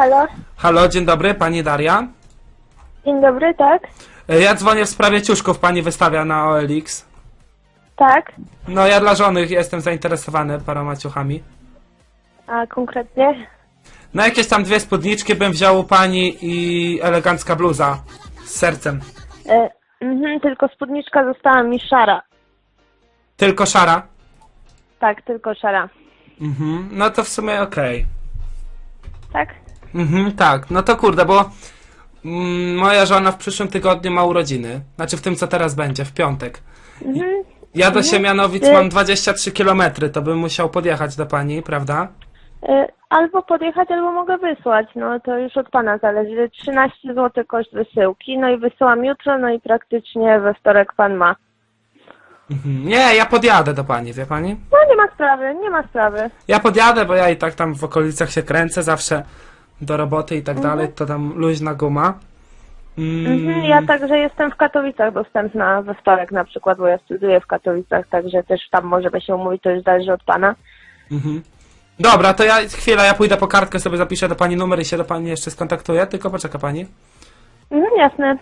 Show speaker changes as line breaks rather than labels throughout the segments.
Halo?
Halo, dzień dobry, pani Daria.
Dzień dobry, tak?
Ja dzwonię w sprawie ciuszków, pani wystawia na OLX.
Tak?
No ja dla żony jestem zainteresowany paroma ciuchami.
A konkretnie?
No jakieś tam 2 spódniczki bym wziął u pani i elegancka bluza z sercem.
Tylko spódniczka została mi szara.
Tylko szara?
Tak, tylko szara.
No to w sumie okej.
Tak?
Tak, no to kurde, bo moja żona w przyszłym tygodniu ma urodziny. Znaczy w tym co teraz będzie, w piątek. Ja do Siemianowic mam 23 km, to bym musiał podjechać do pani, prawda?
Albo podjechać, albo mogę wysłać. No to już od pana zależy. 13 zł koszt wysyłki, no i wysyłam jutro, no i praktycznie we wtorek pan ma.
Nie, ja podjadę do pani, wie pani?
No nie ma sprawy, nie ma sprawy.
Ja podjadę, bo ja i tak tam w okolicach się kręcę zawsze do roboty i tak dalej, to tam luźna guma.
Ja także jestem w Katowicach dostępna we wtorek na przykład, bo ja studiuję w Katowicach, także też tam możemy się umówić, to już zależy od pana.
Dobra, to ja pójdę po kartkę, sobie zapiszę do pani numer i się do pani jeszcze skontaktuję, tylko poczeka pani.
Jasne.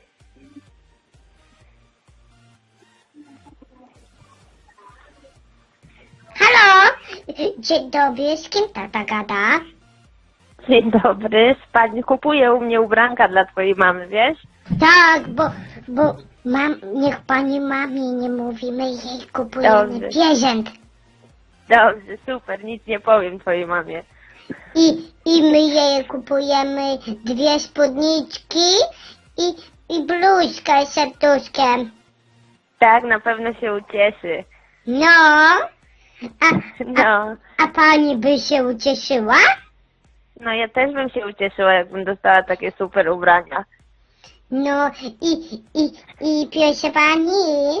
Halo, dzień dobry, z kim tata gada?
Dzień dobry, pani kupuje u mnie ubranka dla twojej mamy, wiesz?
Tak, bo niech pani mamie nie mówimy, jej kupujemy
Dobrze.
prezent.
Dobrze, super, nic nie powiem twojej mamie.
I my jej kupujemy 2 spódniczki i bluzkę z serduszkiem.
Tak, na pewno się ucieszy.
No,
No,
a pani by się ucieszyła?
no ja też bym się ucieszyła, jakbym dostała takie super ubrania.
No i proszę pani,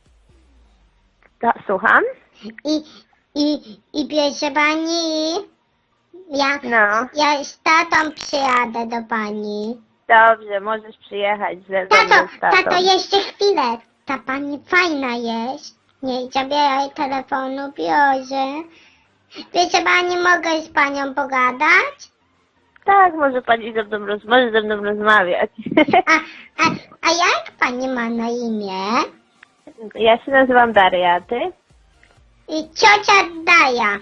Słucham?
i proszę pani,
No,
ja z tatą przyjadę do pani.
dobrze, możesz przyjechać ze mną z tatą.
Tato, jeszcze chwilę. Ta pani fajna jest. Nie zabieraj telefonu, proszę. Proszę pani, mogę z panią pogadać?
Tak, może pani może ze mną rozmawiać.
A jak pani ma na imię?
Ja się nazywam Daria, a ty?
I ciocia Daja.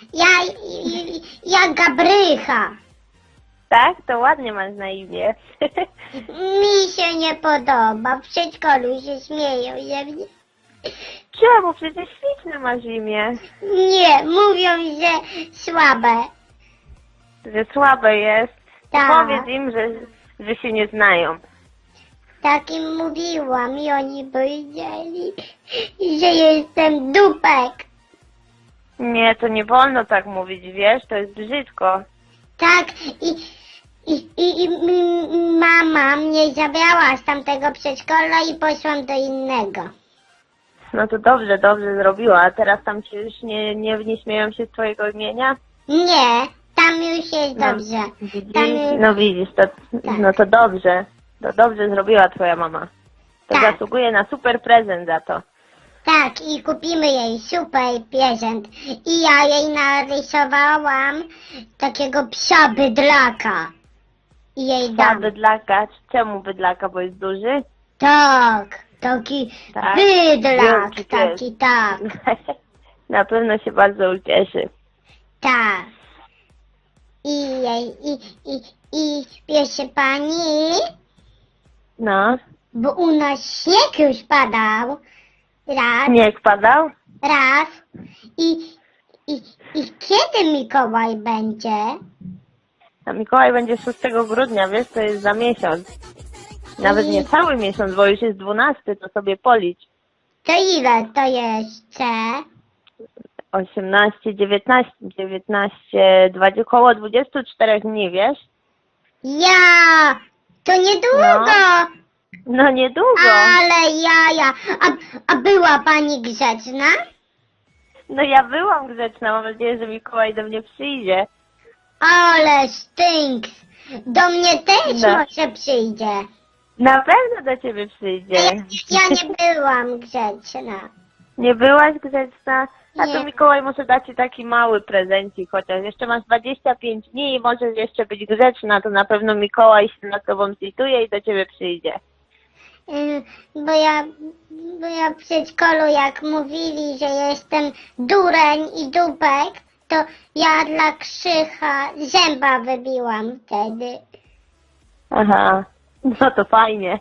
Ja Gabrycha.
Tak, to ładnie masz na imię.
Mi się nie podoba. W przedszkolu się śmieją ze mnie.
Czemu? Przecież śliczne masz imię.
Nie, mówią, że słabe.
Że słabe jest.
Tak.
Powiedz im, że się nie znają.
Tak im mówiłam i oni powiedzieli, że jestem dupek.
Nie, to nie wolno tak mówić, wiesz? To jest brzydko.
Tak, i mama mnie zabrała z tamtego przedszkola i poszłam do innego.
No to dobrze zrobiła. A teraz tam się już nie śmieją się z twojego imienia?
Nie, tam już jest dobrze.
Widzisz?
Tam już...
No widzisz, no to dobrze. To dobrze zrobiła twoja mama. To
Tak.
zasługuje na super prezent za to.
Tak, i kupimy jej super prezent. I ja jej narysowałam takiego psa bydlaka. I jej
Ta
dam.
bydlaka, czemu bydlaka, bo jest duży?
Tak, taki
Tak?
bydlak,
Wielki
taki
pies.
tak,
Na pewno się bardzo ucieszy.
tak. I proszę pani,
No,
bo u nas śnieg już padał raz,
śnieg padał?
raz i kiedy Mikołaj będzie?
A Mikołaj będzie 6 grudnia, wiesz, to jest za miesiąc. Nawet nie cały miesiąc, bo już jest 12, to sobie policz.
To ile to jeszcze?
18, 19, 20, około 24 dni, wiesz?
Ja, to niedługo,
No niedługo.
ale jaja. A była pani grzeczna?
No ja byłam grzeczna, mam nadzieję, że Mikołaj do mnie przyjdzie.
Ale stinks. Do mnie też
No.
może przyjdzie.
Na pewno do ciebie przyjdzie.
Ja nie byłam grzeczna.
Nie byłaś grzeczna? A to Mikołaj może dać ci taki mały prezencik, chociaż jeszcze masz 25 dni i możesz jeszcze być grzeczna, to na pewno Mikołaj się nad tobą zlituje i do ciebie przyjdzie.
Bo ja w przedszkolu jak mówili, że jestem dureń i dupek, to ja dla Krzycha zęba wybiłam wtedy.
Aha, no to fajnie.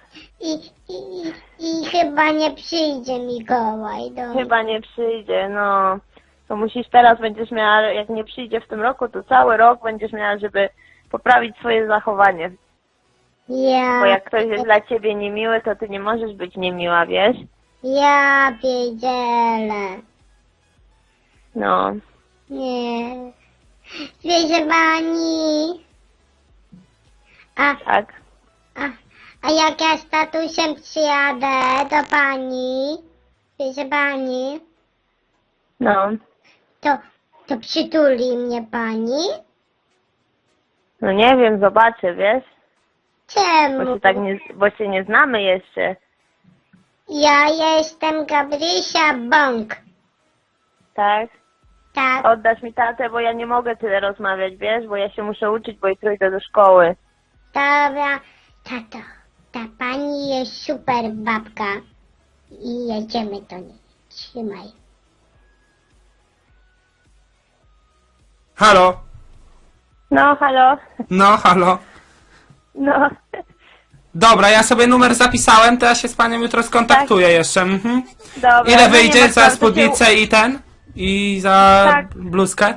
I chyba nie przyjdzie Mikołaj do mnie.
Chyba nie przyjdzie, no. To musisz teraz, będziesz miała, jak nie przyjdzie w tym roku, to cały rok będziesz miała, żeby poprawić swoje zachowanie.
Ja,
Bo jak ktoś jest dla ciebie niemiły, to ty nie możesz być niemiła, wiesz?
ja pierdzielę.
No.
Nie. Wiecie pani.
Tak.
A jak ja z tatusiem przyjadę do pani, wiecie pani,
No.
to przytuli mnie pani?
No nie wiem, zobaczę, wiesz?
Czemu?
Bo się nie znamy jeszcze.
Ja jestem Gabrysia Bąk.
Tak?
Tak,
Oddasz mi tatę, bo ja nie mogę tyle rozmawiać, wiesz? Bo ja się muszę uczyć, bo jutro idę do szkoły.
dobra. Tato, ta pani jest super babka. I jedziemy do niej. Trzymaj.
Halo?
No, halo?
No, halo?
No.
Dobra, ja sobie numer zapisałem, to ja się z panią jutro skontaktuję jeszcze. Mhm.
Dobra.
Ile
no
wyjdzie
nie ma
za
sprawy, to
spódnicę i ten? I za
Tak.
bluzkę?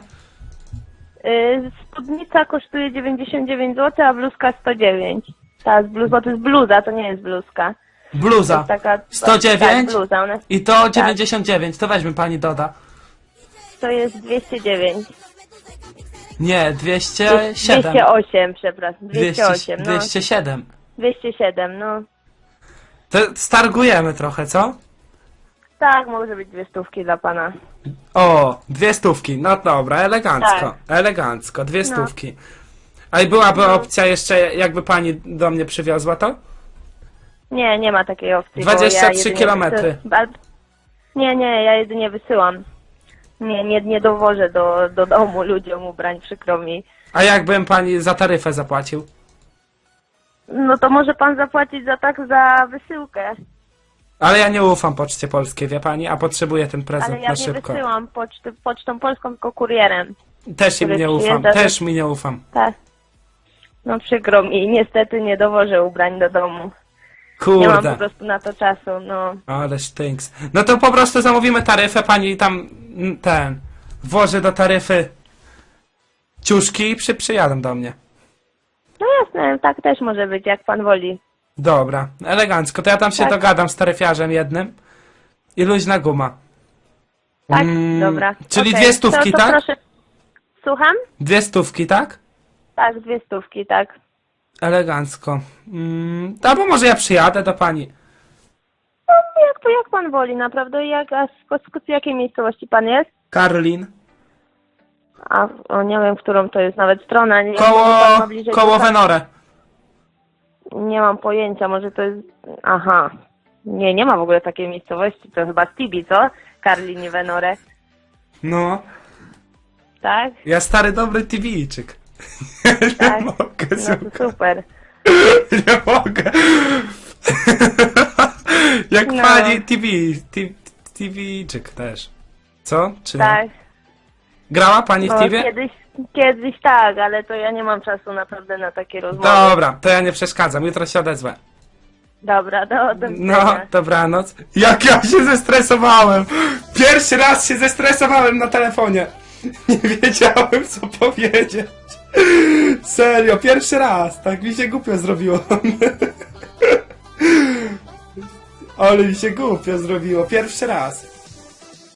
Spódnica kosztuje 99 zł, a bluzka 109. Ta bo to jest bluza, to nie jest bluzka. To
Bluza.
jest taka...
109?
Tak, bluza. Ona,
I to 99, to weźmy pani doda.
to jest 209.
Nie, 207.
208, przepraszam. 208, no.
207.
207, no.
To stargujemy trochę, co?
Tak, może być 200 dla pana.
O, 200, no dobra, elegancko,
Tak.
elegancko, 200. A i byłaby opcja jeszcze, jakby pani do mnie przywiozła to?
Nie, nie ma takiej opcji. bo
23
jedynie
kilometry.
Nie, ja jedynie wysyłam. Nie dowożę do domu ludziom ubrań, przykro mi.
A jakbym pani za taryfę zapłacił?
No to może pan zapłacić za wysyłkę.
Ale ja nie ufam Poczcie Polskiej, wie pani, a potrzebuję ten prezent
Ale ja
na
nie
szybko.
wysyłam pocztą polską, tylko kurierem.
Też im
który
nie ufam,
przyjeżdża
też mi nie ufam.
Tak. No przykro mi, niestety nie dowożę ubrań do domu. Nie mam po
Kurde,
prostu na to czasu, no.
ale stinks. No to po prostu zamówimy taryfę, pani tam włoży do taryfy ciuszki i przyjadą do mnie.
No jasne, tak też może być, jak pan woli.
Dobra, elegancko. To ja tam się
Tak.
dogadam z taryfiarzem jednym i luźna guma.
Tak, dobra.
Czyli
Okej,
200,
to
tak?
Proszę. Słucham?
200, tak?
Tak, 200, tak.
Elegancko. Albo może ja przyjadę do pani.
No, jak pan woli, naprawdę. Z jakiej miejscowości pan jest?
Karlin.
Nie wiem, w którą to jest nawet strona. Nie,
Koło,
może pan ma bliżej
koło
do-
Venore.
Nie mam pojęcia, może to jest... Aha. Nie ma w ogóle takiej miejscowości. To chyba Tibi, co? Karlin i Venore.
No,
Tak?
ja stary dobry TV-czyk.
Tak.
Nie mogę,
No to
słuchaj.
super.
Nie mogę. Jak
No.
pani TV-czyk też. Co? Czy nie?
Tak.
Grała pani w
No,
TV?
kiedyś tak, ale to ja nie mam czasu naprawdę na takie rozmowy.
Dobra, to ja nie przeszkadzam, jutro się odezwę.
Dobra, do
No,
widzenia.
dobranoc. Jak ja się zestresowałem! Pierwszy raz się zestresowałem na telefonie. Nie wiedziałem, co powiedzieć. Serio, pierwszy raz. Tak mi się głupio zrobiło. Ale mi się głupio zrobiło. Pierwszy raz.